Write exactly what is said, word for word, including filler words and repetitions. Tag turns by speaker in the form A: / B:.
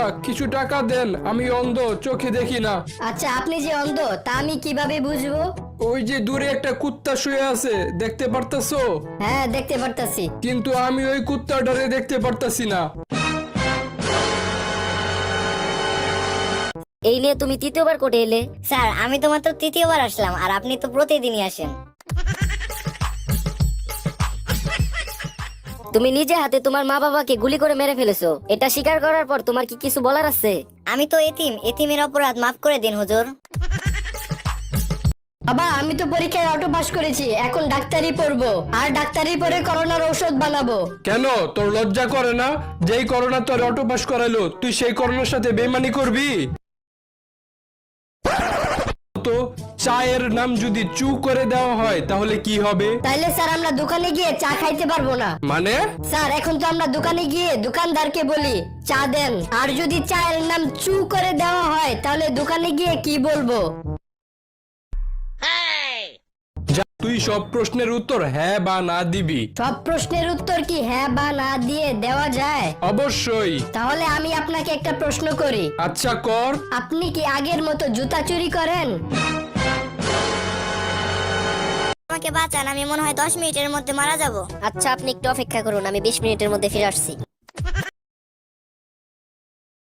A: কিছু টাকা দেন, আমি অন্ধ, চোখে দেখি না।
B: আচ্ছা আপনি যে অন্ধ তা আমি কিভাবে বুঝবো?
A: ওই যে দূরে একটা কুত্তা শুয়ে আছে, দেখতে পারতাছো?
B: হ্যাঁ দেখতে পারতাছি।
A: কিন্তু আমি ওই কুত্তাটারে দেখতে পারতাছি না।
C: এই নিয়ে তুমি তৃতীয়বার কোর্টে এলে? স্যার আমি তো মাত্র তৃতীয়বার আসলাম, আর আপনি তো প্রতিদিনই আসেন। তুমি নিজে হাতে তোমার মা বাবাকে গুলি করে মেরে ফেলেছো, এটা স্বীকার করার পর তোমার কি কিছু বলার আছে? আমি তো এতিম, এতিমের অপরাধ মাফ করে দিন হুজুর।
B: বাবা আমি তো পরীক্ষায় অটো পাস করেছি, এখন ডাক্তারি পড়বো, আর ডাক্তারি পড়ে করোনার ঔষধ বানাবো।
A: কেন তোর লজ্জা করে না? যেই করোনা তোর অটো পাস করাইলো, তুই সেই করোনার সাথে বেইমানি করবি? তো চায়ের নাম যদি চু করে দেওয়া হয় তাহলে কি হবে?
B: তাইলে স্যার আমরা দোকানে গিয়ে চা খাইতে পারবো না।
A: মানে?
B: স্যার এখন তো আমরা দোকানে গিয়ে দোকানদারকে বলি চা দেন, আর যদি চায়ের নাম চু করে দেওয়া হয় তাহলে দোকানে গিয়ে কি বলবো?
A: যা, তুই সব প্রশ্নের উত্তর হ্যাঁ বা না দিবি।
B: সব প্রশ্নের উত্তর কি হ্যাঁ বা না দিয়ে দেওয়া যায়?
A: অবশ্যই।
B: তাহলে আমি আপনাকে একটা প্রশ্ন করি।
A: আচ্ছা কর।
B: আপনি কি আগের মতো জুতা চুরি করেন?
C: আমাকে বাঁচান, আমি মনে হয় দশ মিনিটের মধ্যে মারা যাব। আচ্ছা আপনি একটু অপেক্ষা করুন, আমি বিশ মিনিটের মধ্যে ফিরে আসছি।